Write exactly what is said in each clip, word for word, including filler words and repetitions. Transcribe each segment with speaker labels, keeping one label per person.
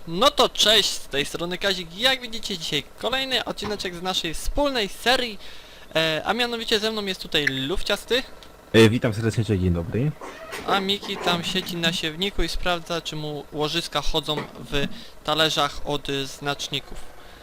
Speaker 1: No to cześć, z tej strony Kazik. Jak widzicie, dzisiaj kolejny odcineczek z naszej wspólnej serii, e, a mianowicie ze mną jest tutaj Lufciasty,
Speaker 2: E, witam serdecznie, cześć, dzień dobry.
Speaker 1: a Miki tam siedzi na siewniku i sprawdza, czy mu łożyska chodzą w talerzach od y, znaczników.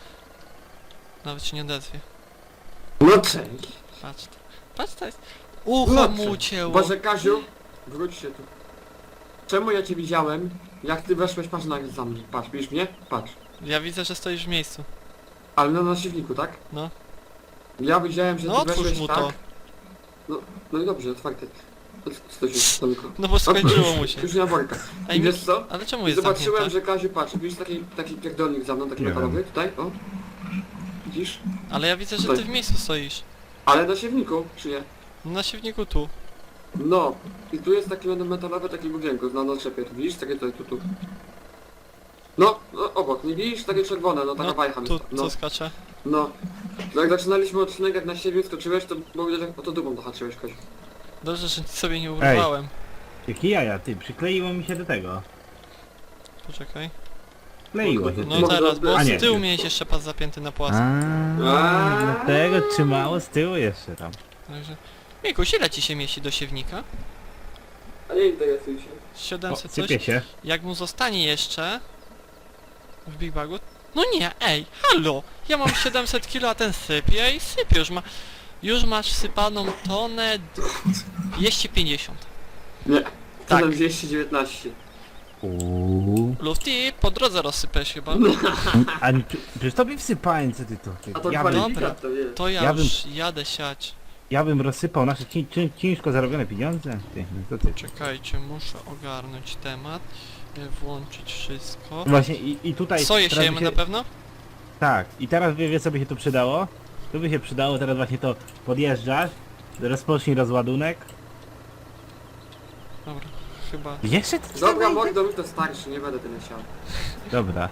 Speaker 1: Nawet się nie odezwie.
Speaker 3: No cześć.
Speaker 1: Patrz, to- patrz to jest... Ucho
Speaker 3: No
Speaker 1: mu
Speaker 3: cześć.
Speaker 1: ucięło.
Speaker 3: Boże Kaziu, wróć się tu. Czemu ja cię widziałem? Jak ty weszłeś, patrz na za mnie. Patrz, widzisz mnie? Patrz.
Speaker 1: Ja widzę, że stoisz w miejscu.
Speaker 3: Ale na nasiwniku, tak?
Speaker 1: No.
Speaker 3: Ja widziałem, że
Speaker 1: No
Speaker 3: ty
Speaker 1: otwórz
Speaker 3: weszłeś
Speaker 1: mu
Speaker 3: tak.
Speaker 1: to.
Speaker 3: No, no i dobrze, otwarte. Co się stolko?
Speaker 1: No bo skończyło mu się.
Speaker 3: Już nie ma worka.
Speaker 1: Ej,
Speaker 3: I wiesz
Speaker 1: Miki,
Speaker 3: co?
Speaker 1: ale czemu
Speaker 3: I
Speaker 1: jest
Speaker 3: zobaczyłem,
Speaker 1: zamknięte?
Speaker 3: że Kaziu, patrz, widzisz taki, taki pierdolnik za mną, taki
Speaker 2: Nie
Speaker 3: metalowy, tutaj, o. Widzisz?
Speaker 1: Ale ja widzę, że
Speaker 3: Tutaj.
Speaker 1: ty w miejscu stoisz.
Speaker 3: Ale na siewniku, czy nie?
Speaker 1: Na siewniku tu.
Speaker 3: No. I tu jest taki metalowy, taki budynku, na naczepie, tu widzisz? Takie tutaj, tu, tu. No, no, obok, nie widzisz? Takie czerwone, no taka
Speaker 1: No,
Speaker 3: wajcha mi
Speaker 1: tu,
Speaker 3: sta-
Speaker 1: co
Speaker 3: no,
Speaker 1: skacze?
Speaker 3: no. Jak zaczynaliśmy odcinek, jak na siebie skoczyłeś, to było widać, jak o to dupą dohaczyłeś, Koś.
Speaker 1: Dobrze, że sobie nie urwałem.
Speaker 2: Jakie jaja, ty, przykleiło mi się do tego.
Speaker 1: Poczekaj.
Speaker 2: Kleiło się.
Speaker 1: No
Speaker 3: Mogę
Speaker 1: teraz, bo
Speaker 2: A
Speaker 1: z
Speaker 2: nie.
Speaker 1: tyłu miałeś jeszcze pas zapięty na płasko.
Speaker 2: A, dlatego trzymało z tyłu jeszcze tam.
Speaker 1: Także... Mikuś, ile ci się mieści do siewnika?
Speaker 3: A nie interesuj się.
Speaker 2: O,
Speaker 1: siedemset coś?
Speaker 2: sypie się.
Speaker 1: Jak mu zostanie jeszcze... W Big Bagu? No nie, ej, halo! Ja mam siedemset kilo, a ten sypie i sypie. Już ma... Już masz sypaną tonę... dwieście pięćdziesiąt.
Speaker 3: Nie.
Speaker 1: Tak.
Speaker 3: Tak. dwieście dziewiętnaście.
Speaker 2: Uuu.
Speaker 1: Lufty, po drodze rozsypesz chyba.
Speaker 2: A nie, przy- przecież tobie wsypałem, co ty to? Ty,
Speaker 3: A to
Speaker 2: ja, bym,
Speaker 3: kwalifikat to jest.
Speaker 1: To ja,
Speaker 2: Ja bym-
Speaker 1: już jadę siać.
Speaker 2: ja bym rozsypał nasze ci, ci, ciężko zarobione pieniądze. Ty, no co ty?
Speaker 1: Czekajcie, muszę ogarnąć temat. y, Włączyć wszystko.
Speaker 2: Właśnie i, i tutaj...
Speaker 1: Soję
Speaker 2: teraz by
Speaker 1: siejemy
Speaker 2: się-
Speaker 1: na pewno?
Speaker 2: Tak, i teraz wie, wie co by się tu przydało? Tu by się przydało, teraz właśnie to podjeżdżasz, rozpocznij rozładunek.
Speaker 1: Dobra, chyba...
Speaker 2: Jeszcze ty
Speaker 3: Dobra, mordo, mi to starszy, nie będę tyle siał.
Speaker 2: Dobra.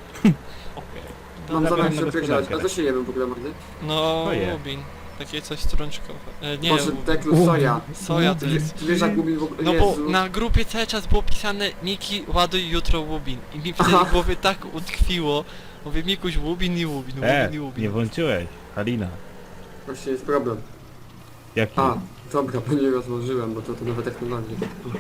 Speaker 3: Mam
Speaker 2: Dobra,
Speaker 3: zamiar
Speaker 2: na
Speaker 3: się opierdzielać. A
Speaker 2: gospodarkę.
Speaker 3: co się jemy w ogóle, mordy?
Speaker 1: No,
Speaker 2: Soję.
Speaker 1: łubin. Takie coś strączkowe. E, nie,
Speaker 3: Może
Speaker 1: łubin.
Speaker 3: teklu soja.
Speaker 1: Soja to jest...
Speaker 3: Ty wiesz jak mówi w ogóle,
Speaker 1: No bo
Speaker 3: Jezu.
Speaker 1: na grupie cały czas było pisane Miki, ładuj jutro łubin. I mi wtedy
Speaker 3: Aha.
Speaker 1: w głowie tak utkwiło. Mówię, Mikuś, łubin i łubin,
Speaker 2: E,
Speaker 1: łubin i łubin.
Speaker 2: nie włączyłeś, Halina.
Speaker 3: Właśnie jest problem.
Speaker 2: Jaki?
Speaker 3: A, dobra, bo nie rozłożyłem, bo to, to nowe technologie.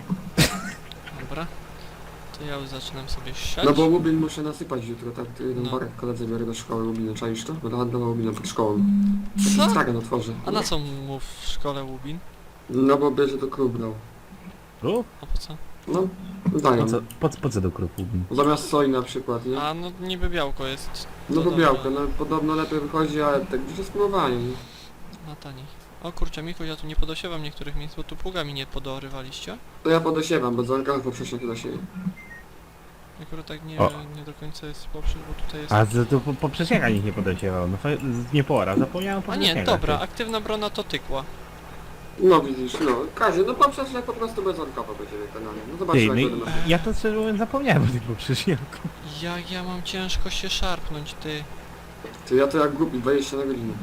Speaker 1: Dobra. To ja już zaczynam sobie siać.
Speaker 3: No bo łubin muszę nasypać jutro, tak? Tu jeden
Speaker 1: No.
Speaker 3: worek koledzy biorę do szkoły łubiny, czaisz to? Będę handlował łubinem pod szkołą.
Speaker 1: Co?
Speaker 3: Stragan otworzę.
Speaker 1: A na co mu w szkole łubin?
Speaker 3: No bo bierze do klub dał.
Speaker 2: Krów?
Speaker 1: A po co?
Speaker 3: No,
Speaker 2: Po
Speaker 3: dają.
Speaker 2: co, po, po co do krów?
Speaker 3: Zamiast soi na przykład, nie?
Speaker 1: A no niby białko jest.
Speaker 3: No
Speaker 1: to
Speaker 3: bo
Speaker 1: dobre.
Speaker 3: białko, no podobno lepiej wychodzi, ale tak gdzieś jest spróbowanie, nie?
Speaker 1: Na taniej. O kurczę, Mikuś, ja tu nie podosiewam niektórych miejsc, bo tu pługami nie podorywaliście.
Speaker 3: To ja podosiewam, bo dzwonka poprzecznik do siebie.
Speaker 1: Akurat tak nie,
Speaker 2: O.
Speaker 1: nie do końca jest poprzez, bo tutaj jest...
Speaker 2: A z, to po, poprzeczniaka nikt nie podosiewał. No fa- z- nie pora, zapomniałem
Speaker 1: A
Speaker 2: poprzeczniaka.
Speaker 1: nie, dobra,
Speaker 2: ty.
Speaker 1: aktywna brona to tykła.
Speaker 3: No widzisz, no. Kazie, no poprzecznik po prostu bezdzwonkowo będzie wykonany. No
Speaker 2: Ty,
Speaker 3: zobaczymy
Speaker 2: no
Speaker 3: jak
Speaker 2: i,
Speaker 3: będę
Speaker 2: ja to szczerze mówiąc zapomniałem o tym poprzeczniaku.
Speaker 1: Jak ja mam ciężko się szarpnąć, ty.
Speaker 3: Ty, ja to jak głupi, dwadzieścia na godzinę.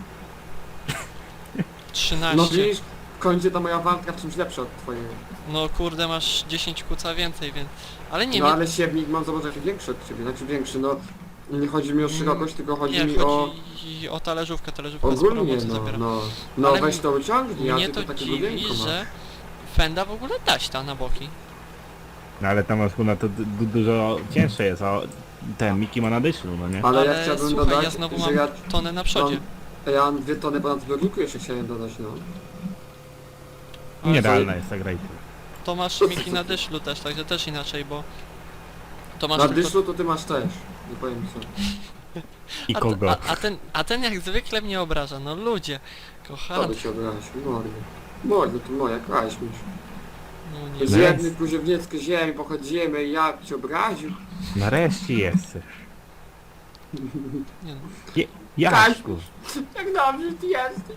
Speaker 1: trzynaście.
Speaker 3: No widzisz, w końcu ta moja walka w czymś lepsza od twojego.
Speaker 1: No kurde, masz dziesięć kuca więcej, więc... Ale nie,
Speaker 3: No
Speaker 1: mnie...
Speaker 3: ale siewnik mam zobaczyć większy od ciebie, znaczy większy, no. Nie chodzi mi o szerokość, tylko chodzi
Speaker 1: nie,
Speaker 3: mi o...
Speaker 1: chodzi o talerzówkę, talerzówka z
Speaker 3: Ogólnie,
Speaker 1: promocji
Speaker 3: no,
Speaker 1: zabiera.
Speaker 3: no. No
Speaker 1: Ale
Speaker 3: weź to wyciągnij, ja
Speaker 1: Mnie
Speaker 3: tylko
Speaker 1: to
Speaker 3: takie
Speaker 1: dziwi,
Speaker 3: budynko mam.
Speaker 1: że fenda w ogóle taśta na boki.
Speaker 2: No ale tam na to du- du- dużo cięższe jest, a ten Miki ma na dyszlu, no nie?
Speaker 3: Ale,
Speaker 1: Ale
Speaker 3: ja chciałbym
Speaker 1: słuchaj,
Speaker 3: dodać,
Speaker 1: ja znowu
Speaker 3: że
Speaker 1: mam
Speaker 3: ja,
Speaker 1: tonę na przodzie.
Speaker 3: ja mam dwie tony ponad zbiorniku jeszcze chciałem dodać, no.
Speaker 1: Ale
Speaker 2: Niedalna jest ta gra.
Speaker 1: To masz Miki na dyszlu też, także też inaczej, bo... To masz
Speaker 3: Na
Speaker 1: tylko...
Speaker 3: dyszlu to ty masz też, nie powiem co.
Speaker 2: I
Speaker 1: a,
Speaker 2: kogo?
Speaker 1: a, a, ten, a ten jak zwykle mnie obraża, no ludzie.
Speaker 3: Co
Speaker 1: Kochany.
Speaker 3: by cię obrazić, mordy. Mordy, to moja, kraść mi.
Speaker 1: No nie
Speaker 3: Z
Speaker 2: No
Speaker 3: jednej
Speaker 2: jest.
Speaker 3: kuziewnieckiej ziemi pochodzimy i ja cię obraził.
Speaker 2: Nareszcie jesteś.
Speaker 1: nie no.
Speaker 2: Je, Jaśku.
Speaker 3: Jak dobrze ty jesteś.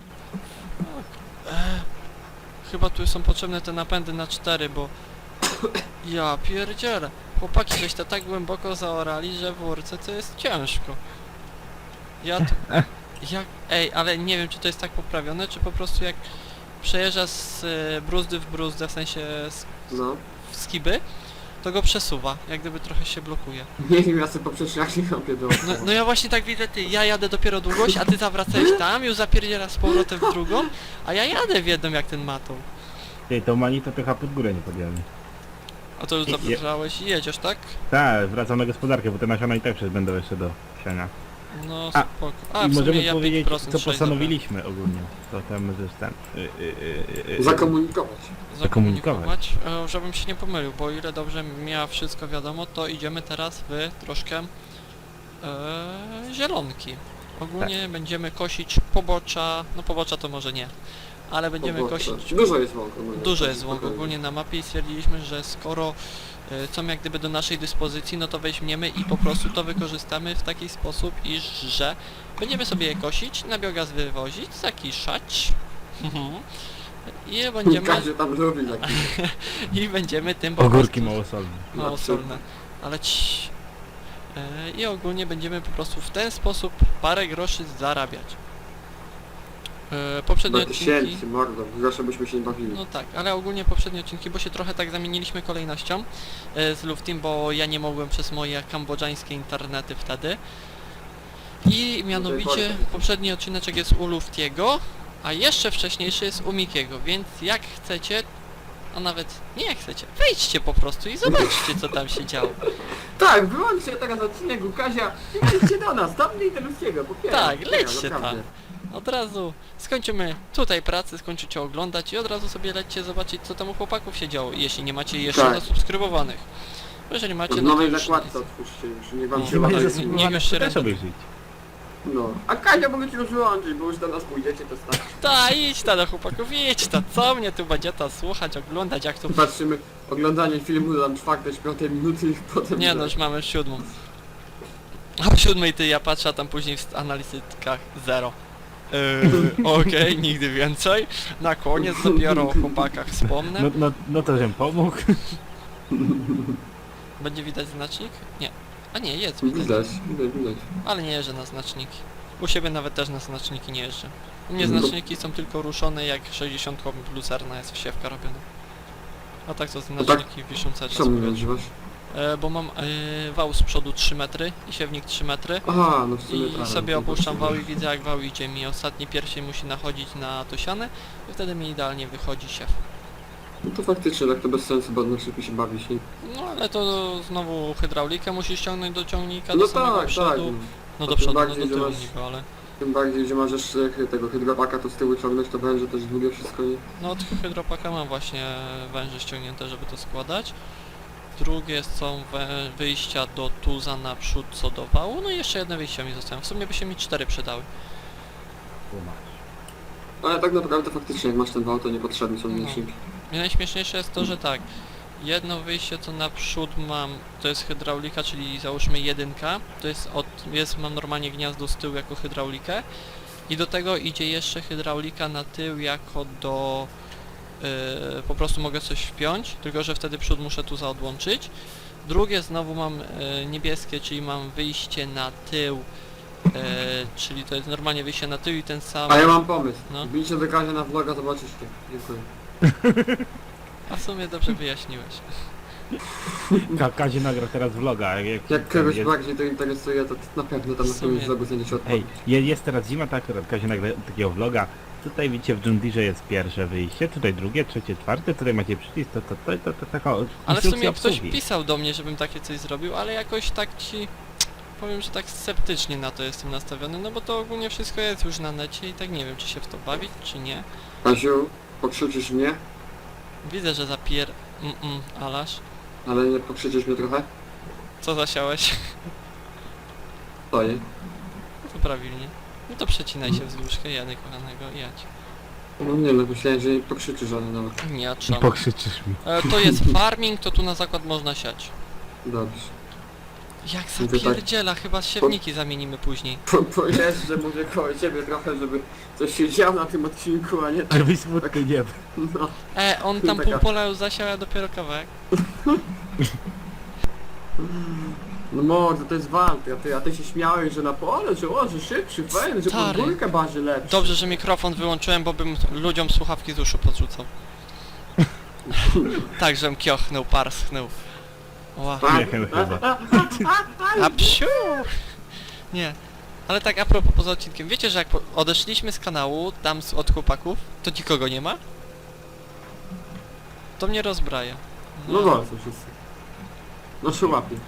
Speaker 1: Chyba tu są potrzebne te napędy na cztery, bo... Ja pierdzielę. Chłopaki żeś to tak głęboko zaorali, że w Urce to jest ciężko. Ja tu... Jak... Ej, ale nie wiem, czy to jest tak poprawione, czy po prostu jak przejeżdża z e, bruzdy w bruzdę, w sensie z,
Speaker 3: No.
Speaker 1: w skiby, to go przesuwa, jak gdyby trochę się blokuje.
Speaker 3: Nie wiem, ja sobie poprzeczniaki robię do...
Speaker 1: No, no ja właśnie tak widzę, ty, ja jadę dopiero długość, a ty zawracałeś tam, już zapierdzielasz z powrotem w drugą, a ja jadę w jedną jak ten matą.
Speaker 2: Ty, to mani to trochę pod górę nie podjemy.
Speaker 1: A to już
Speaker 2: Je-
Speaker 1: zabrałeś i jedziesz, tak?
Speaker 2: Tak, wracam na gospodarkę, bo te nasiona i tak przecież będą jeszcze do siania.
Speaker 1: No
Speaker 2: A,
Speaker 1: spoko. A,
Speaker 2: I
Speaker 1: w sumie
Speaker 2: możemy
Speaker 1: ja
Speaker 2: powiedzieć,
Speaker 1: pięć procent
Speaker 2: co
Speaker 1: sześć,
Speaker 2: postanowiliśmy ogólnie. To tam jest ten... Y, y, y, y, y,
Speaker 3: Zakomunikować.
Speaker 1: dobra.
Speaker 2: zakomunikować.
Speaker 1: Zakomunikować, e, żebym się nie pomylił, bo o ile dobrze miała wszystko wiadomo, to idziemy teraz w troszkę e, zielonki. Ogólnie
Speaker 2: Tak.
Speaker 1: będziemy kosić pobocza, no pobocza to może nie, ale będziemy
Speaker 3: Bo-
Speaker 1: kosić...
Speaker 3: Dużo jest łąk. ogólnie.
Speaker 1: Dużo jest łąk ogólnie na mapie i stwierdziliśmy, że skoro y, są jak gdyby do naszej dyspozycji, no to weźmiemy i po prostu to wykorzystamy w taki sposób, iż że będziemy sobie je kosić, na biogaz wywozić, zakiszać i będziemy
Speaker 3: Każdy tam lubi taki.
Speaker 1: i będziemy tym po
Speaker 2: Ogórki
Speaker 1: prostu
Speaker 2: małosolne.
Speaker 1: małosolne, ale ci y, i ogólnie będziemy po prostu w ten sposób parę groszy zarabiać. Y, poprzednie
Speaker 3: Do
Speaker 1: odcinki...
Speaker 3: tysięcy, mordo. Grosze byśmy się nie bawili.
Speaker 1: No tak, ale ogólnie poprzednie odcinki, bo się trochę tak zamieniliśmy kolejnością e, z Luftim, bo ja nie mogłem przez moje kambodżańskie internety wtedy. I mianowicie
Speaker 3: porty.
Speaker 1: poprzedni odcineczek jest u Luftiego, a jeszcze wcześniejszy jest u Mikiego, więc jak chcecie, a nawet nie jak chcecie, wejdźcie po prostu i zobaczcie co tam się działo.
Speaker 3: Tak, wyłączcie teraz odcinek u Kazia i lećcie do nas, tam nie interesujego, popieram.
Speaker 1: Tak,
Speaker 3: popieram,
Speaker 1: lećcie
Speaker 3: naprawdę.
Speaker 1: Od razu skończymy tutaj pracę, skończycie oglądać i od razu sobie lećcie zobaczyć co tam u chłopaków się działo, jeśli nie macie jeszcze
Speaker 3: Tak.
Speaker 1: zasubskrybowanych. Bo jeżeli macie,
Speaker 3: W
Speaker 1: no to
Speaker 3: nowej
Speaker 1: już
Speaker 3: zakładce otwórzcie już, niech wam
Speaker 1: No,
Speaker 3: się
Speaker 2: Nie
Speaker 1: Chyba
Speaker 2: macie
Speaker 1: tak,
Speaker 3: ładuje.
Speaker 1: nie-
Speaker 2: zasubskrybowanych,
Speaker 1: już się
Speaker 2: to też
Speaker 1: ręce-
Speaker 2: obejrzyj.
Speaker 3: No. A Kazia mogę ci już wyłączyć, bo już do nas pójdziecie, to starczy.
Speaker 1: Ta, idź ta do chłopaków, idź ta, co mnie tu będzie ta słuchać, oglądać, jak tu...
Speaker 3: Patrzymy, oglądanie filmu tam czwartej, piątej minuty i potem...
Speaker 1: Nie no, już mamy siódmą. A w siódmej ty, ja patrzę, a tam później w analitykach zero. Yy, Okej, nigdy więcej. Na koniec dopiero o chłopakach wspomnę.
Speaker 2: No, no, no to żem pomógł.
Speaker 1: Będzie widać znacznik? Nie. A nie, jest widać.
Speaker 3: Widać, widać, widać.
Speaker 1: Ale nie jeżdżę na znaczniki. U siebie nawet też na znaczniki nie jeżdżę. U mnie
Speaker 3: No.
Speaker 1: znaczniki są tylko ruszone jak sześćdziesiąt lucerna jest wsiewka robiona. A tak to
Speaker 3: tak,
Speaker 1: znaczniki wiszą cały czas w
Speaker 3: Czemu nie
Speaker 1: powietrzu.
Speaker 3: używasz?
Speaker 1: E, bo mam e, wał z przodu trzy metry i siewnik trzy metry.
Speaker 3: Aha, no w sumie
Speaker 1: I
Speaker 3: tak,
Speaker 1: sobie
Speaker 3: to
Speaker 1: opuszczam
Speaker 3: tak.
Speaker 1: wał i widzę jak wał idzie mi. Ostatni pierścień musi nachodzić na to siane i wtedy mi idealnie wychodzi siew.
Speaker 3: No to faktycznie, tak to bez sensu, bo na szybko się bawić, nie?
Speaker 1: No ale to znowu hydraulikę musisz ściągnąć do ciągnika,
Speaker 3: No
Speaker 1: do samego
Speaker 3: tak, tak.
Speaker 1: przodu. No do
Speaker 3: tym
Speaker 1: przodu, no
Speaker 3: bardziej,
Speaker 1: do
Speaker 3: że
Speaker 1: tyłu
Speaker 3: masz-
Speaker 1: niby, ale...
Speaker 3: Tym bardziej, że masz jeszcze tego hydropaka, to z tyłu ciągnąć, to będzie też długie wszystko, nie?
Speaker 1: No od hydropaka mam właśnie węże ściągnięte, żeby to składać. Drugie są wę- wyjścia do tuza naprzód co do wału, no i jeszcze jedne wyjścia mi zostają. W sumie by się mi cztery przydały.
Speaker 3: Ale tak naprawdę faktycznie, jak masz ten wał, to niepotrzebny są
Speaker 1: No.
Speaker 3: liczniki.
Speaker 1: I najśmieszniejsze jest to, że tak, jedno wyjście co naprzód mam, to jest hydraulika, czyli załóżmy jedynka, to jest od, jest, mam normalnie gniazdo z tyłu jako hydraulikę i do tego idzie jeszcze hydraulika na tył jako do, yy, po prostu mogę coś wpiąć, tylko że wtedy przód muszę tu zaodłączyć. Drugie znowu mam yy, niebieskie, czyli mam wyjście na tył, yy, czyli to jest normalnie wyjście na tył i ten sam...
Speaker 3: A ja mam pomysł.
Speaker 1: No.
Speaker 3: Wbijcie do Kazia na vloga, zobaczycie. Dziękuję.
Speaker 1: A w sumie dobrze wyjaśniłeś.
Speaker 2: Ka Kazie nagra teraz vloga. Jak, jak,
Speaker 3: Jak kogoś
Speaker 2: jest,
Speaker 3: bardziej to interesuje, to na pewno tam na
Speaker 1: W sumie-
Speaker 3: którymś vlogu znajdziecie
Speaker 2: Hej,
Speaker 3: odpowiedź.
Speaker 2: je- jest teraz zima, tak akurat Kazie nagra takiego vloga. Tutaj widzicie w John Deere jest pierwsze wyjście, tutaj drugie, trzecie, czwarte, tutaj macie przycisk, to, to, to, to, to taka
Speaker 1: Ale w
Speaker 2: instrukcja
Speaker 1: sumie ktoś
Speaker 2: obsługi.
Speaker 1: pisał do mnie, żebym takie coś zrobił, ale jakoś tak ci... Powiem, że tak sceptycznie na to jestem nastawiony, no bo to ogólnie wszystko jest już na necie i tak nie wiem, czy się w to bawić, czy nie.
Speaker 3: Kaziu, pokrzyczysz mnie,
Speaker 1: Widzę, że zapier... Mm-mm, Alasz.
Speaker 3: ale nie pokrzyczysz mnie trochę?
Speaker 1: Co zasiałeś?
Speaker 3: Stoję.
Speaker 1: No to prawilnie. No to przecinaj się wzdłuż Jany kochanego i jadź.
Speaker 3: No nie no, myślałem, że nie pokrzyczysz, ale dobra.
Speaker 1: Nie,
Speaker 2: I
Speaker 1: trzeba.
Speaker 2: pokrzyczysz mi.
Speaker 1: E, to jest farming, to tu na zakład można siać.
Speaker 3: Dobrze.
Speaker 1: Jak
Speaker 3: Mówię tak.
Speaker 1: zapierdziela, chyba siewniki zamienimy później.
Speaker 3: Po, pojeżdżę może koło ciebie trochę, żeby coś się działo na tym odcinku, a nie tak.
Speaker 2: Żebyś smutny nie był.
Speaker 3: No.
Speaker 1: E, on tam
Speaker 3: Taka-
Speaker 1: pół pola już zasiał, a dopiero kawałek.
Speaker 3: No mordo, to jest walka, ty, a ty się śmiałeś, że na pole, że o, że szybszy, fajny, że
Speaker 1: Stary.
Speaker 3: podwórkę barzy lepszy.
Speaker 1: Dobrze, że mikrofon wyłączyłem, bo bym ludziom słuchawki z uszu podrzucał. Tak, żem kiochnął, parschnął. Ła.
Speaker 2: Śmiechem chyba.
Speaker 1: A psiu! Nie. Ale tak a propos poza odcinkiem, wiecie, że jak po- odeszliśmy z kanału, tam z, od chłopaków, to nikogo nie ma? To mnie rozbraja.
Speaker 3: No dobra, są wszyscy. No się łapie.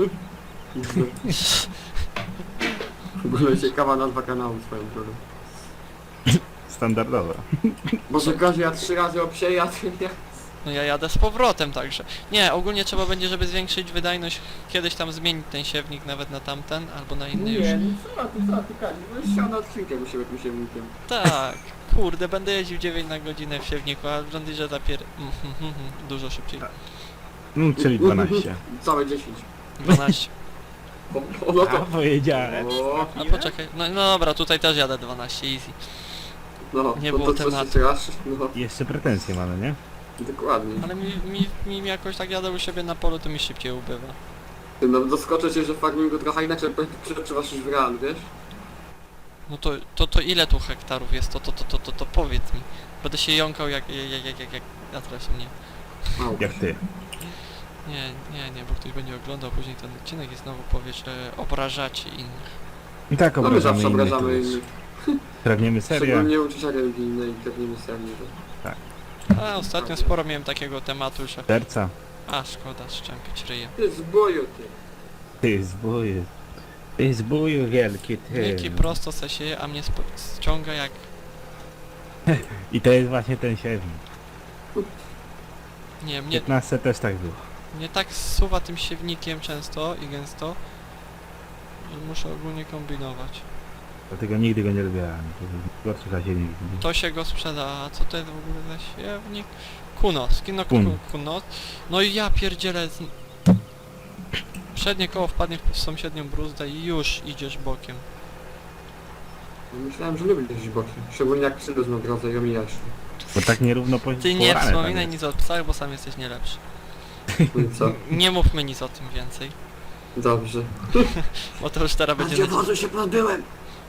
Speaker 3: W ogóle ciekawa nazwa kanału swoją drogą.
Speaker 2: Standardowo.
Speaker 3: Może Kaziu, ja trzy razy obsieję, a ty nie.
Speaker 1: No ja jadę z powrotem także. Nie, ogólnie trzeba będzie, żeby zwiększyć wydajność, kiedyś tam zmienić ten siewnik nawet na tamten, albo na inny już.
Speaker 3: Nie, no co ty, co ty, Kaziu? Byłeś siał na odcinkiem u siebie tym siewnikiem.
Speaker 1: Tak, kurde, będę jeździł dziewięć na godzinę w siewniku, a w John Deere zapier... Mm, mm, mm, mm, dużo szybciej.
Speaker 2: No, czyli dwanaście.
Speaker 3: Całe dziesięć.
Speaker 1: dwanaście.
Speaker 3: O, o, no
Speaker 2: A
Speaker 3: to...
Speaker 2: powiedziałem.
Speaker 3: O,
Speaker 1: A poczekaj, no, no dobra, tutaj też jadę dwanaście, easy.
Speaker 3: no,
Speaker 1: Nie
Speaker 3: to,
Speaker 1: było
Speaker 3: to,
Speaker 1: tematu.
Speaker 3: To, raz, no,
Speaker 2: Jeszcze pretensje mamy, nie?
Speaker 3: dokładnie.
Speaker 1: Ale mi, mi, mi jakoś tak jadę u siebie na polu, to mi szybciej ubywa.
Speaker 3: Ty, no doskoczę cię, że w farmingu trochę inaczej przetrzymasz niż w realu, wiesz?
Speaker 1: No to, to, to ile tu hektarów jest, to, to, to, to, to, to powiedz mi. Będę się jąkał jak, jak, jak, jak, jak, a teraz nie.
Speaker 3: Mało.
Speaker 2: Jak ty.
Speaker 1: Nie, nie, nie, bo ktoś będzie oglądał później ten odcinek i znowu powie, że obrażacie innych.
Speaker 2: I tak
Speaker 3: No my
Speaker 2: obrażamy
Speaker 3: zawsze
Speaker 2: innych.
Speaker 3: obrażamy
Speaker 2: tu.
Speaker 3: innych.
Speaker 2: Pragniemy serię.
Speaker 3: Szczególnie uczucia religijne i krewniemy serię.
Speaker 1: A ostatnio sporo miałem takiego tematu, że...
Speaker 2: Serca.
Speaker 1: A, szkoda szczępić ryję.
Speaker 3: Ty z boju, ty.
Speaker 2: Ty zbóju. Ty zbóju wielki, ty.
Speaker 1: Miki prosto se sieje, a mnie spo- ściąga jak...
Speaker 2: I to jest właśnie ten siewnik.
Speaker 1: Nie,
Speaker 2: W
Speaker 1: mnie,
Speaker 2: piętnaście też tak było.
Speaker 1: mnie tak zsuwa tym siewnikiem często i gęsto, że muszę ogólnie kombinować.
Speaker 2: Dlatego nigdy go nie lubiłem. To gorszy za siewnik.
Speaker 1: To się go sprzeda, a co to jest w ogóle za siewnik? Kunos, kino
Speaker 2: Kun.
Speaker 1: Kun. Kunos. No i ja pierdzielę z... Przednie koło wpadnie w sąsiednią bruzdę i już idziesz bokiem.
Speaker 3: No myślałem, że lubię jeździć bokiem. Szczególnie jak psy na drodze i omijasz.
Speaker 2: Bo tak nierówno po
Speaker 1: Ty nie
Speaker 2: połamane tam
Speaker 1: wspominaj
Speaker 2: jest.
Speaker 1: nic o psach, bo sam jesteś nie lepszy.
Speaker 3: No i co?
Speaker 1: Nie mówmy nic o tym więcej,
Speaker 3: Dobrze.
Speaker 1: bo to już teraz będzie...
Speaker 3: Gdzie
Speaker 1: na-
Speaker 3: wozu się pozbyłem?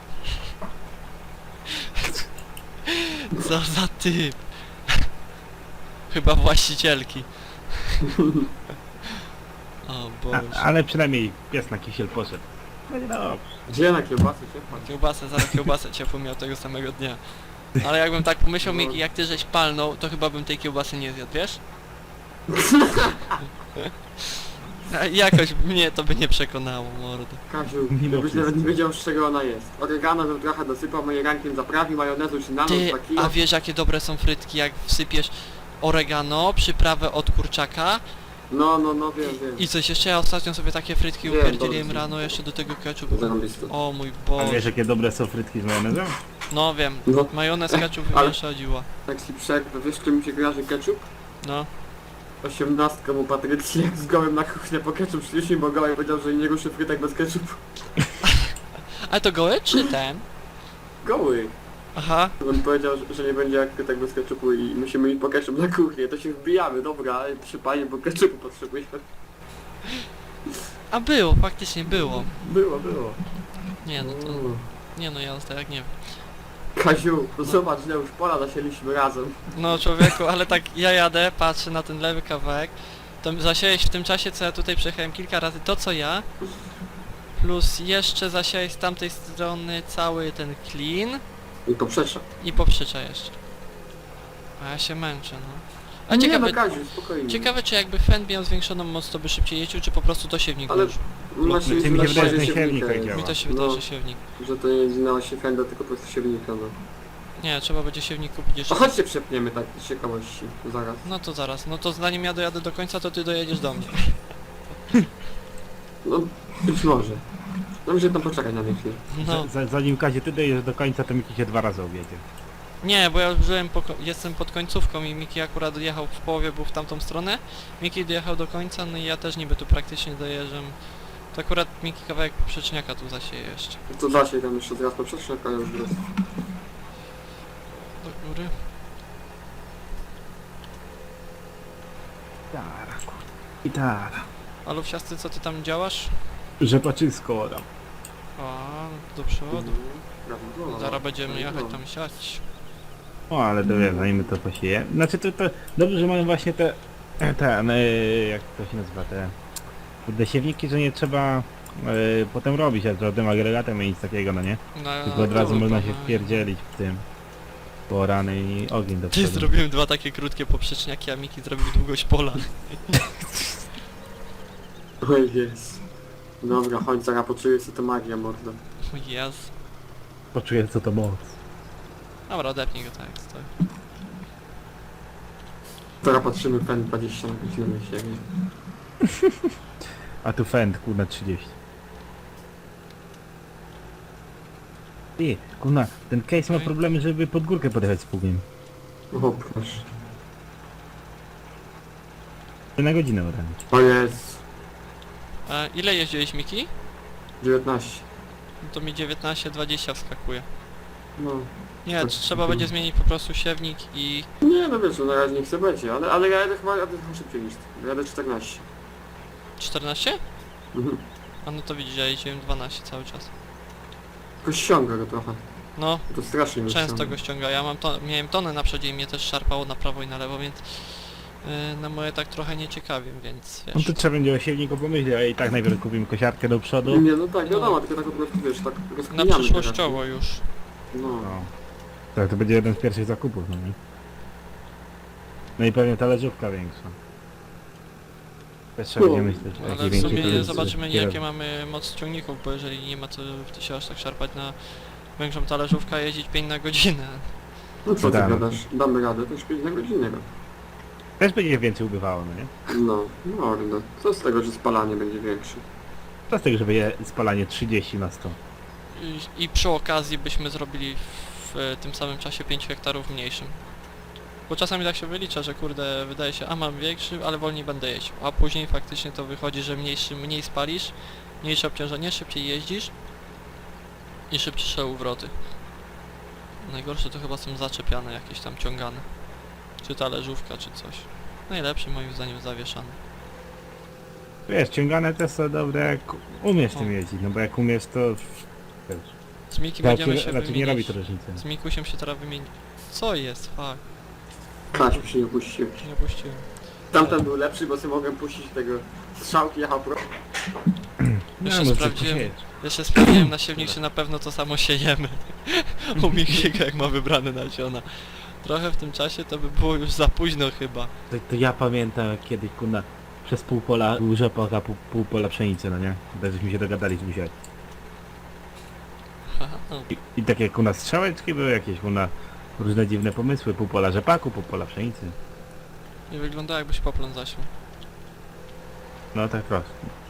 Speaker 1: Co za typ? Chyba właścicielki. O Boże.
Speaker 2: A, ale przynajmniej pies na kisiel poszedł. No nie dobrze.
Speaker 3: Gdzie na kiełbasy się wpadł?
Speaker 1: Kiełbasę, zaraz kiełbasę ciepłą miał tego samego dnia. Ale jakbym tak pomyślał,
Speaker 3: No.
Speaker 1: Miki, jak ty żeś palnął, to chyba bym tej kiełbasy nie zjadł, wiesz? A jakoś mnie to by nie przekonało, mordo.
Speaker 3: Kaziu,
Speaker 2: Mimo
Speaker 3: jakbyś
Speaker 2: wszystko.
Speaker 3: nawet nie wiedział, z czego ona jest. Oregano bym trochę dosypał, moje rankiem zaprawił, majonezu czy nanos,
Speaker 1: Ty,
Speaker 3: dwa kilo.
Speaker 1: a wiesz jakie dobre są frytki, jak wsypiesz oregano, przyprawę od kurczaka
Speaker 3: No, no, no, wiem, wiem.
Speaker 1: i coś jeszcze, ja ostatnio sobie takie frytki
Speaker 3: Wiem,
Speaker 1: upierdzieliłem
Speaker 3: dobrze.
Speaker 1: rano, jeszcze do tego ketchup.
Speaker 3: Zarąbiste.
Speaker 1: O mój
Speaker 2: A
Speaker 1: Boże.
Speaker 2: wiesz jakie dobre są frytki z majonezem?
Speaker 1: No wiem,
Speaker 3: No,
Speaker 1: majonez, ketchup
Speaker 3: Ale-
Speaker 1: wymiesza dziła.
Speaker 3: tak si przek, wiesz, czym mi się kojarzy ketchup?
Speaker 1: No.
Speaker 3: Osiemnastką u Patrycji, jak z gołem na kuchnię po ketchup szliśmy, bo gołem powiedział, że nie ruszy frytek bez ketchupu.
Speaker 1: Ale to gołe czy ten?
Speaker 3: Goły!
Speaker 1: Aha.
Speaker 3: On powiedział, że- że nie będzie jak frytek bez ketchupu i musimy iść po ketchup na kuchnię. To się wbijamy, dobra, ale przy panie, bo ketchupu potrzebujemy.
Speaker 1: A było, faktycznie było.
Speaker 3: Było, było.
Speaker 1: Nie no to...
Speaker 3: Uuu.
Speaker 1: Nie no ja tak nie wiem.
Speaker 3: Kaziu, to zobacz, ile już pola zasieliśmy razem.
Speaker 1: No człowieku, ale tak ja jadę, patrzę na ten lewy kawałek, to zasiałeś w tym czasie, co ja tutaj przejechałem kilka razy, to co ja, plus jeszcze zasiałeś z tamtej strony cały ten clean
Speaker 3: I poprzecza.
Speaker 1: i poprzycza jeszcze. A ja się męczę, no. A
Speaker 3: nie
Speaker 1: ciekawe,
Speaker 3: no, Kaziu, spokojnie.
Speaker 1: ciekawe czy jakby fan miał zwiększoną moc, to by szybciej jeździł, czy po prostu to siewnik
Speaker 3: Ale-
Speaker 1: duży.
Speaker 3: Właśnie,
Speaker 2: Znaczy, mi się
Speaker 3: właśnie
Speaker 2: wydaje, że
Speaker 3: siewnika
Speaker 2: siewnik tak
Speaker 3: jest.
Speaker 2: działa.
Speaker 1: Mi to się
Speaker 3: No.
Speaker 1: wydaje, że siewnik.
Speaker 3: Że to nie jest na osi fenda, tylko po prostu siewnika, no.
Speaker 1: Nie, trzeba będzie siewnik kupić
Speaker 3: A
Speaker 1: jeszcze.
Speaker 3: chodźcie przepniemy tak z ciekawości, zaraz.
Speaker 1: No to zaraz, no to zanim ja dojadę do końca, to ty dojedziesz do mnie.
Speaker 3: No, być może. No muszę tam poczekać na mnie chwilę.
Speaker 1: No.
Speaker 2: Z- Zanim Kazie ty dojedziesz do końca, to Miki się dwa razy objedzie.
Speaker 1: Nie, bo ja już byłem po, ko- jestem pod końcówką i Miki akurat dojechał w połowie, był w tamtą stronę. Miki dojechał do końca, no i ja też niby tu praktycznie dojeżdżam. To akurat Miki kawałek poprzeczniaka tu zasieje jeszcze.
Speaker 3: To da się tam jeszcze zaraz poprzeczkę, a już jest.
Speaker 1: Do góry.
Speaker 2: Gitara, kurde. Gitara.
Speaker 1: A Lufsiasty, co ty tam działasz?
Speaker 2: Rzepaczysko tam.
Speaker 1: A, do przodu.
Speaker 3: Brawo.
Speaker 1: Zaraz będziemy jechać tam siać.
Speaker 2: O, ale to wiesz, zanim to posieje. Znaczy to, to dobrze, że mamy właśnie te, ten, e, jak to się nazywa, te Kurde, siewniki, że nie trzeba y, potem robić żadnym agregatem i nic takiego, no nie?
Speaker 1: No,
Speaker 2: Tylko od razu
Speaker 1: no,
Speaker 2: można
Speaker 1: no,
Speaker 2: się
Speaker 1: no.
Speaker 2: wpierdzielić w tym. Po rany i ogień do
Speaker 1: Ty
Speaker 2: przodu.
Speaker 1: zrobiłem dwa takie krótkie poprzeczniaki, a Miki zrobił długość pola.
Speaker 3: Oj jest. Dobra, chodź, zaraz poczuję co to magia, mordo.
Speaker 1: O Jezu.
Speaker 2: Poczuję co to moc.
Speaker 1: Dobra, odepnij go tak jak stoi.
Speaker 3: Teraz patrzymy pen dwadzieścia na godzinę na siebie.
Speaker 2: A tu fend, kurna, trzydzieści. Ty, kurna, ten case ma
Speaker 1: Oj.
Speaker 2: problemy, żeby pod górkę podjechać z pługiem.
Speaker 3: O proszę.
Speaker 2: Na godzinę odręcz.
Speaker 3: O jest.
Speaker 1: A ile jeździłeś, Miki?
Speaker 3: dziewiętnaście.
Speaker 1: No to mi dziewiętnaście dwadzieścia wskakuje.
Speaker 3: No.
Speaker 1: Nie,
Speaker 3: Tak,
Speaker 1: trzeba
Speaker 3: tak.
Speaker 1: będzie zmienić po prostu siewnik i...
Speaker 3: Nie no wiesz, no na razie nie chcę będzie, ale, ale ja jadę chyba jadę trochę szybciej niż ty. Jadę czternaście.
Speaker 1: czternaście?
Speaker 3: Mhm.
Speaker 1: A no to widzisz, ja jeździłem dwanaście cały czas.
Speaker 3: Tylko ściąga go trochę.
Speaker 1: No,
Speaker 3: To strasznie go
Speaker 1: często
Speaker 3: ściąga.
Speaker 1: go ściąga. Ja mam to, miałem tonę na przodzie i mnie też szarpało na prawo i na lewo, więc... Yy, na moje tak trochę nieciekawiem, więc
Speaker 2: No
Speaker 1: wiesz...
Speaker 2: to trzeba będzie o siewniku pomyśleć, a i tak najpierw kupimy kosiarkę do przodu.
Speaker 3: Nie no tak, wiadomo, tylko tak po prostu wiesz, tak
Speaker 1: Na
Speaker 3: rozkminiamy
Speaker 1: przyszłościowo już.
Speaker 3: teraz, nie? No.
Speaker 2: No. Tak, to będzie jeden z pierwszych zakupów, no nie? No i pewnie talerzówka większa. Też trzeba
Speaker 3: No,
Speaker 2: będzie myśleć, o
Speaker 1: Ale
Speaker 2: jakiej
Speaker 1: w
Speaker 2: większej
Speaker 1: sumie
Speaker 2: talerzówce.
Speaker 1: zobaczymy
Speaker 2: Kierowcy.
Speaker 1: jakie mamy moc ciągników, bo jeżeli nie ma co się aż tak szarpać na większą talerzówkę, a jeździć pięć na godzinę.
Speaker 3: No co ty
Speaker 2: Tak.
Speaker 3: gadasz? Damy radę, to już pięć na godzinę.
Speaker 2: Też będzie więcej ubywało, no nie?
Speaker 3: No, mordo. Co z tego, że spalanie będzie większe?
Speaker 2: Co z tego, że będzie spalanie trzydzieści na sto?
Speaker 1: I, I przy okazji byśmy zrobili w e, tym samym czasie pięć hektarów mniejszym. Bo czasami tak się wylicza, że kurde, wydaje się, a mam większy, ale wolniej będę jeździł. A później faktycznie to wychodzi, że mniejszy, mniej spalisz, mniejsze obciążenie, szybciej jeździsz i szybciejsze uwroty. Najgorsze to chyba są zaczepiane, jakieś tam ciągane. Czy talerzówka, czy coś. Najlepszy moim zdaniem zawieszany.
Speaker 2: Wiesz, ciągane też są dobre, jak umiesz
Speaker 1: O.
Speaker 2: tym jeździć, no bo jak umiesz to... Wiesz,
Speaker 1: Z Miki
Speaker 2: raczej,
Speaker 1: będziemy się
Speaker 2: raczej nie robi
Speaker 1: wymienić.
Speaker 2: to różnicy.
Speaker 1: Z Mikusiem się teraz wymienić. Co jest? Fuck.
Speaker 3: Kaś mi się nie puścił.
Speaker 1: Nie puściłem.
Speaker 3: Tamten był lepszy, bo sobie mogłem puścić tego strzałki jechał pro.
Speaker 1: Jeszcze
Speaker 2: może
Speaker 1: sprawdziłem.
Speaker 2: coś
Speaker 1: Jeszcze sprawdziłem na siewnik, czy na pewno to samo siejemy. U Mikiego jak ma wybrane nasiona. Trochę w tym czasie to by było już za późno chyba.
Speaker 2: To, to ja pamiętam jak kiedyś, kurna, przez pół pola był rzepak, a pół, pół pola pszenicy, no nie? Tak żeśmy się dogadali z Busiak.
Speaker 1: Haha, no.
Speaker 2: I, I takie, kurna, strzałeczki były jakieś, kurna, różne dziwne pomysły, pół pola rzepaku, pół pola pszenicy.
Speaker 1: Nie wygląda jakbyś poplon zasiął.
Speaker 2: No tak prosto.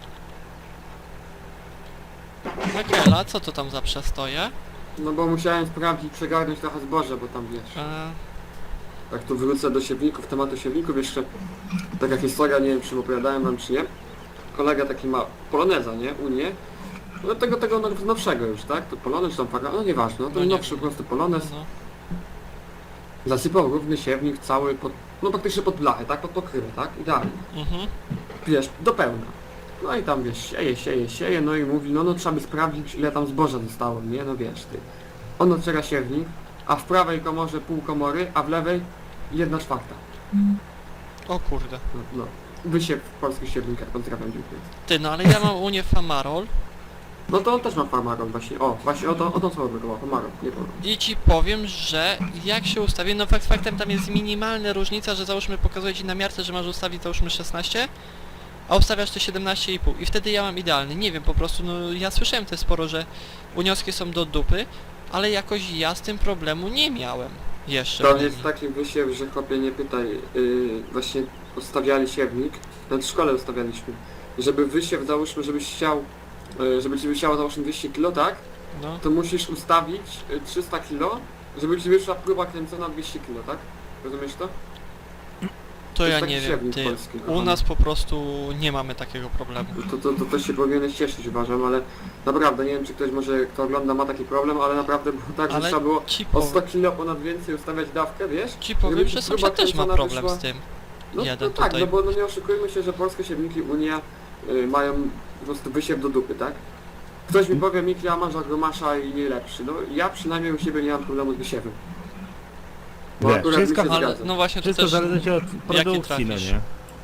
Speaker 1: Michaela, co to tam za przestoje?
Speaker 3: No bo musiałem sprawdzić, przegarnąć trochę zboże, bo tam wiesz.
Speaker 1: E,
Speaker 3: Tak tu wrócę do siewników, tematu siewników jeszcze. Taka historia, nie wiem czy opowiadałem wam czy nie. Kolega taki ma poloneza, nie? Unię. No tego, tego now- nowszego już, tak? To polonez czy tam faga, no nieważne, no
Speaker 1: No
Speaker 3: to
Speaker 1: nie
Speaker 3: nowszy
Speaker 1: wiem.
Speaker 3: po prostu polonez.
Speaker 1: no.
Speaker 3: Zasypał równy siewnik cały pod, no praktycznie pod blachę, tak? Pod pokrywę, tak? Idealnie.
Speaker 1: Mhm.
Speaker 3: Wiesz, do pełna. No i tam wiesz, sieje, sieje, sieje, no i mówi, no no trzeba by sprawdzić ile tam zboża zostało, nie? No wiesz ty. On otwiera siewnik, a w prawej komorze pół komory, a w lewej jedna czwarta.
Speaker 1: O kurde.
Speaker 3: No, no. Wysiew w polskich siewnikach, pozdrawiam, dziękuję.
Speaker 1: Ty, no ale ja mam u nie Famarol
Speaker 3: No to on też ma farmaron właśnie, o, właśnie o to, o to co było, farmaron, nie powiem.
Speaker 1: i ci powiem, że jak się ustawię, no fakt faktem tam jest minimalna różnica, że załóżmy pokazuje ci na miarce, że masz ustawić załóżmy szesnaście, a ustawiasz te siedemnaście i pół i wtedy ja mam idealny. Nie wiem, po prostu, no ja słyszałem też sporo, że unioski są do dupy, ale jakoś ja z tym problemu nie miałem jeszcze.
Speaker 3: To
Speaker 1: w
Speaker 3: jest
Speaker 1: linii.
Speaker 3: taki wysiew, że chłopie nie pytaj, yy, właśnie ustawiali siewnik, nawet w szkole ustawialiśmy, żeby wysiew załóżmy, żebyś chciał, yy, żeby ci wysiało załóżmy dwieście kilo, tak?
Speaker 1: No,
Speaker 3: To musisz ustawić y, trzysta kilo, żeby ci wyszła próba kręcona dwieście kilo, tak? Rozumiesz to?
Speaker 1: to
Speaker 3: jest
Speaker 1: ja
Speaker 3: taki
Speaker 1: nie wiem,
Speaker 3: siewnik
Speaker 1: ty,
Speaker 3: polski,
Speaker 1: u
Speaker 3: kochany.
Speaker 1: nas po prostu nie mamy takiego problemu.
Speaker 3: To, to, to, to się powinieneś cieszyć uważam, ale naprawdę nie wiem czy ktoś może kto ogląda ma taki problem, ale naprawdę było tak, że
Speaker 1: Ale
Speaker 3: trzeba było
Speaker 1: ci,
Speaker 3: o
Speaker 1: pow
Speaker 3: sto kilo ponad więcej ustawiać dawkę, wiesz?
Speaker 1: ci powiem,
Speaker 3: żeby
Speaker 1: że
Speaker 3: ci próba
Speaker 1: sąsiad też ma
Speaker 3: kręcona
Speaker 1: problem
Speaker 3: wyszła-
Speaker 1: z tym.
Speaker 3: No,
Speaker 1: Jeden
Speaker 3: no tak,
Speaker 1: tutaj.
Speaker 3: no bo no nie oszukujmy się, że polskie siewniki Unia y, mają po prostu wysiew do dupy, tak? Ktoś mi powie, Miki, a masz agromasza i nie lepszy. No ja przynajmniej u siebie nie mam problemu z wysiewem. Bo
Speaker 2: Nie,
Speaker 3: akurat
Speaker 2: wszystko-
Speaker 3: mi się
Speaker 1: Ale
Speaker 3: zgadza.
Speaker 1: no właśnie to
Speaker 2: Wszystko
Speaker 1: też...
Speaker 2: zależy od produkcji, no
Speaker 1: trafisz?
Speaker 2: nie?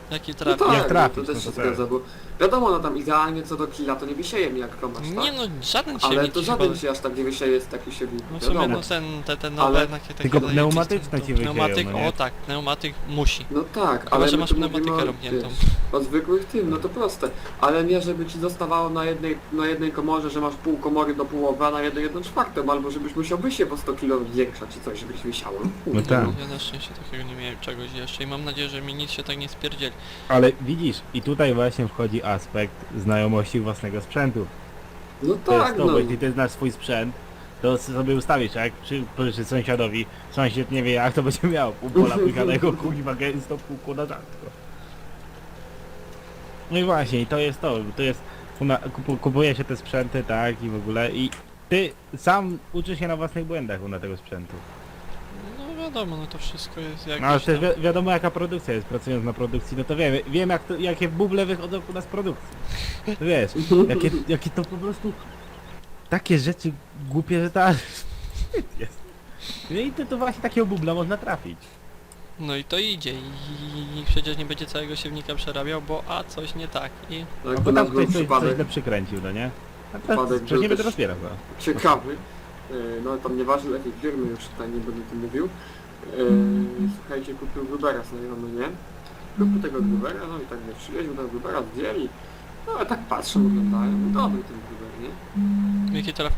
Speaker 1: Jaki
Speaker 3: No
Speaker 1: trafi.
Speaker 3: tak,
Speaker 2: Jak trafić,
Speaker 3: to
Speaker 2: no
Speaker 3: też
Speaker 2: to
Speaker 3: się
Speaker 2: tak.
Speaker 3: zgadza, bo wiadomo, no tam idealnie co do killa to nie wysieje mi jak komasz, tak?
Speaker 1: Nie no, żaden się
Speaker 3: Ale
Speaker 1: nie
Speaker 3: to
Speaker 1: chyba...
Speaker 3: żaden się aż tak nie wysieje z takich siewników,
Speaker 1: No w sumie
Speaker 3: wiadomo.
Speaker 1: no ten, te, te nowe
Speaker 3: Ale-
Speaker 1: takie, takie
Speaker 2: Tylko
Speaker 1: zajebiste,
Speaker 2: pneumatyczne
Speaker 1: to
Speaker 2: ci wysieją,
Speaker 1: Pneumatyk,
Speaker 2: no nie?
Speaker 1: o tak, pneumatyk musi.
Speaker 3: No tak,
Speaker 1: Chyba,
Speaker 3: ale
Speaker 1: że
Speaker 3: my
Speaker 1: masz
Speaker 3: tu mówimy
Speaker 1: pneumatykę
Speaker 3: o,
Speaker 1: robniętą.
Speaker 3: wiesz, o zwykłych tym, no to proste. Ale nie, żeby ci zostawało na jednej, na jednej komorze, że masz pół komory do połowy, a na jednej jedną czwartą, albo żebyś musiał wysiew o sto kilo większa czy coś, żebyś wisiało.
Speaker 2: No tak.
Speaker 1: Ja na szczęście takiego nie miałem czegoś jeszcze i mam nadzieję, że mi nic się tak nie spierdzieli.
Speaker 2: Ale widzisz, i tutaj właśnie wchodzi aspekt znajomości własnego sprzętu.
Speaker 3: No
Speaker 2: To jest
Speaker 3: tak,
Speaker 2: to,
Speaker 3: no.
Speaker 2: bo jeśli ty znasz swój sprzęt, to sobie ustawisz, a jak przy, pożyczy sąsiadowi, sąsiad nie wie jak to będzie miał, pół pola płykanego, kuźwa gęsto, pół kłoda rzadko. No i właśnie, i to jest to, to jest, kuna- kupu, kupuje się te sprzęty, tak, i w ogóle, i ty sam uczysz się na własnych błędach na tego sprzętu.
Speaker 1: No wiadomo, no to wszystko jest jak
Speaker 2: No ale też wi wiadomo jaka produkcja jest, pracując na produkcji, no to wiemy, wiem jak to, jakie buble wychodzą u nas z produkcji. To wiesz, jakie, jakie to po prostu, takie rzeczy głupie, że ta wstyd jest. No i to, to właśnie takiego bubla można trafić.
Speaker 1: No i to idzie i, i przecież nie będzie całego siewnika przerabiał, bo a coś nie tak i...
Speaker 3: Jak
Speaker 2: No
Speaker 3: to
Speaker 2: bo
Speaker 3: nasz
Speaker 2: tam
Speaker 3: był
Speaker 2: ktoś coś, coś
Speaker 3: przypadek
Speaker 2: źle przykręcił, no nie? A teraz
Speaker 3: Przypadek
Speaker 2: przecież nie
Speaker 3: był
Speaker 2: będę
Speaker 3: też-
Speaker 2: rozbierał go.
Speaker 3: ciekawy, yy, no tam nieważne jakiej firmy, już tutaj nie będę o tym mówił. Yy, słuchajcie, kupił Grubera znajomy, nie? Kupił tego Grubera, no i tak wiesz, przywieźł tego Grubera, zdjęli. No ale tak patrzą, oglądają, no dobry ten Gruber, nie?
Speaker 1: Jaki telefon?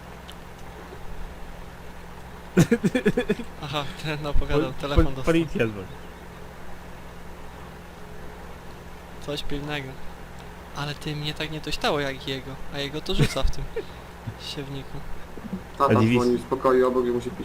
Speaker 1: Aha, ten opowiadał, telefon dostał.
Speaker 2: Policja dzwoni.
Speaker 1: Coś pilnego. Ale ty mnie tak nie dośtało jak jego, a jego to rzuca w tym siewniku.
Speaker 3: Tata
Speaker 2: A dziwisz?
Speaker 3: dzwonił z pokoju obok i musi pić.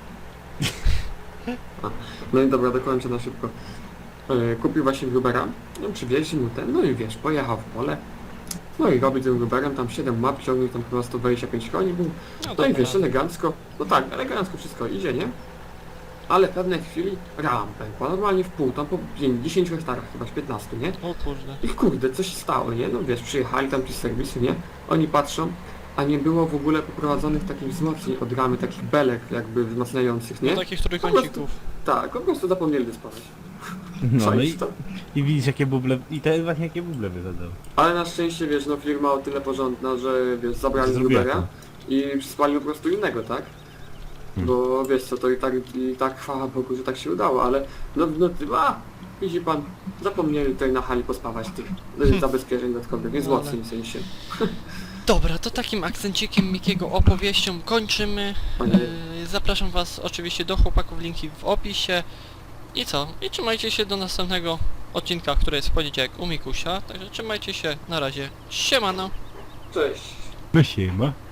Speaker 3: A, no i dobra, dokończę na szybko. Yy, kupił właśnie Grubera, no przywieźli mu ten, no i wiesz, pojechał w pole. No i robi tym Gruberem, tam siedem map ciągnie, tam chyba sto dwadzieścia pięć koni był. No i
Speaker 1: dobra.
Speaker 3: wiesz, elegancko, no tak, elegancko wszystko idzie, nie? Ale w pewnej chwili ram pękła, normalnie w pół, tam po dziesięciu hektarach chyba, z piętnastu, nie?
Speaker 1: O kurde.
Speaker 3: I kurde, coś się stało, nie? No wiesz, przyjechali tam ci z serwisu, nie? Oni patrzą, a nie było w ogóle poprowadzonych takich wzmocnień od ramy, takich belek jakby wzmacniających, nie?
Speaker 1: No takich trójkącików.
Speaker 3: Tak, po prostu zapomnieli wyspawać.
Speaker 2: No, no i,
Speaker 3: Czaisz to?
Speaker 2: i widzisz jakie buble, i te właśnie jakie buble wychodzą.
Speaker 3: Ale na szczęście, wiesz, no firma o tyle porządna, że wiesz, zabrali
Speaker 2: Zrobiła
Speaker 3: Grubera
Speaker 2: to.
Speaker 3: i spalił po prostu innego, tak?
Speaker 2: Hmm.
Speaker 3: Bo wiesz co, to i tak, i tak chwała Bogu, że tak się udało, ale no, no ty, a, widzi pan, zapomnieli tutaj na hali pospawać tych hmm. zabezpieczeń dodatkowych, nie
Speaker 1: No ale-
Speaker 3: wzmocnień w sensie.
Speaker 1: Dobra, to takim akcencikiem Mikiego opowieścią kończymy.
Speaker 3: Panie,
Speaker 1: Yy, zapraszam was oczywiście do chłopaków, linki w opisie. I co? I trzymajcie się do następnego odcinka, który jest w poniedziałek u Mikusia. Także trzymajcie się, na razie. Siemano!
Speaker 3: cześć!
Speaker 2: No siema.